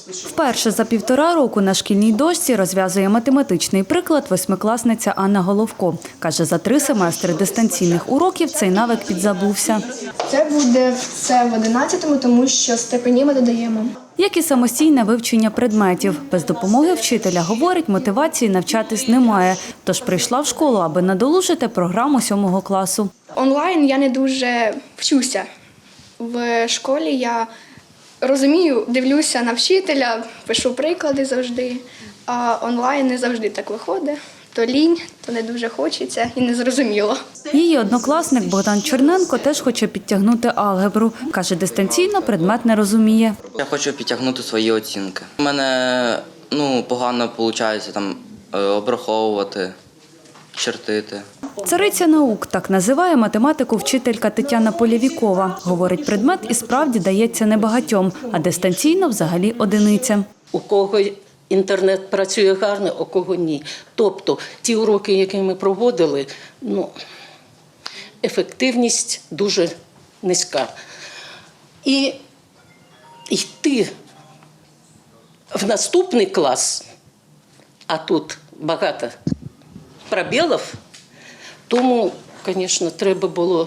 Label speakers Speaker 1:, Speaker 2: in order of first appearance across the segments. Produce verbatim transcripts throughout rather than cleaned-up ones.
Speaker 1: Вперше за півтора року на шкільній дошці розв'язує математичний приклад восьмикласниця Анна Головко. Каже, за три семестри дистанційних уроків цей навик підзабувся.
Speaker 2: Це буде все в одинадцятому, тому що степені ми додаємо.
Speaker 1: Як і самостійне вивчення предметів. Без допомоги вчителя, говорить, мотивації навчатись немає. Тож прийшла в школу, аби надолужити програму сьомого класу.
Speaker 2: Онлайн я не дуже вчуся. В школі я розумію, дивлюся на вчителя, пишу приклади завжди, а онлайн не завжди так виходить. То лінь, то не дуже хочеться і не зрозуміло.
Speaker 1: Її однокласник Богдан Черненко теж хоче підтягнути алгебру. Каже, дистанційно предмет не розуміє.
Speaker 3: Я хочу підтягнути свої оцінки. У мене ну, погано виходить там, обраховувати, чертити.
Speaker 1: Цариця наук – так називає математику вчителька Тетяна Полєвікова. Говорить, предмет і справді дається небагатьом, а дистанційно взагалі одиницям.
Speaker 4: У кого інтернет працює гарно, у кого ні. Тобто ті уроки, які ми проводили, ну, ефективність дуже низька. І йти в наступний клас, а тут багато пробілів, тому, звісно, треба було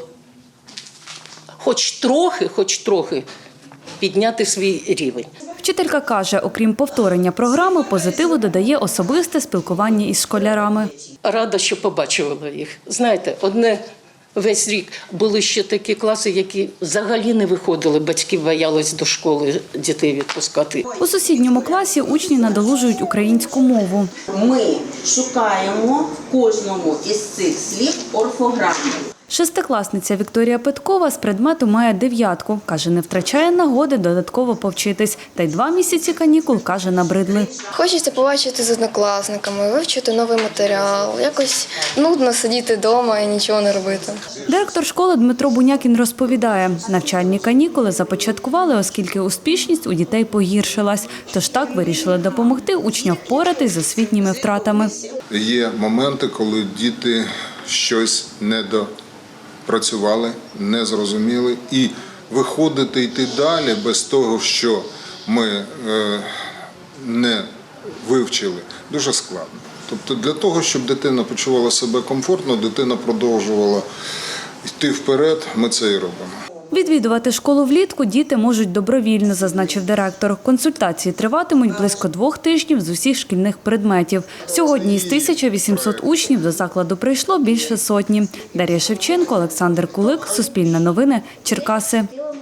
Speaker 4: хоч трохи, хоч трохи підняти свій рівень.
Speaker 1: Вчителька каже, окрім повторення програми, позитиву додає особисте спілкування із школярами.
Speaker 4: Рада, що побачила їх. Знаєте, одне весь рік були ще такі класи, які взагалі не виходили, батьки боялись до школи дітей відпускати.
Speaker 1: У сусідньому класі учні надолужують українську мову.
Speaker 5: Ми шукаємо в кожному із цих слів орфограму.
Speaker 1: Шестикласниця Вікторія Петкова з предмету має дев'ятку. Каже, не втрачає нагоди додатково повчитись. Та й два місяці канікул, каже, набридли.
Speaker 6: Хочеться побачити з однокласниками, вивчити новий матеріал. Якось нудно сидіти вдома і нічого не робити.
Speaker 1: Директор школи Дмитро Бунякін розповідає, навчальні канікули започаткували, оскільки успішність у дітей погіршилась. Тож так вирішили допомогти учням впоратись з освітніми втратами.
Speaker 7: Є моменти, коли діти щось не до працювали, не зрозуміли, і виходити, йти далі без того, що ми е, не вивчили, дуже складно. Тобто для того, щоб дитина почувала себе комфортно, дитина продовжувала йти вперед, ми це і робимо.
Speaker 1: Відвідувати школу влітку діти можуть добровільно, зазначив директор. Консультації триватимуть близько двох тижнів з усіх шкільних предметів. Сьогодні із тисячі вісімсот учнів до закладу прийшло більше сотні. Дар'я Шевченко, Олександр Кулик, Суспільне новини, Черкаси.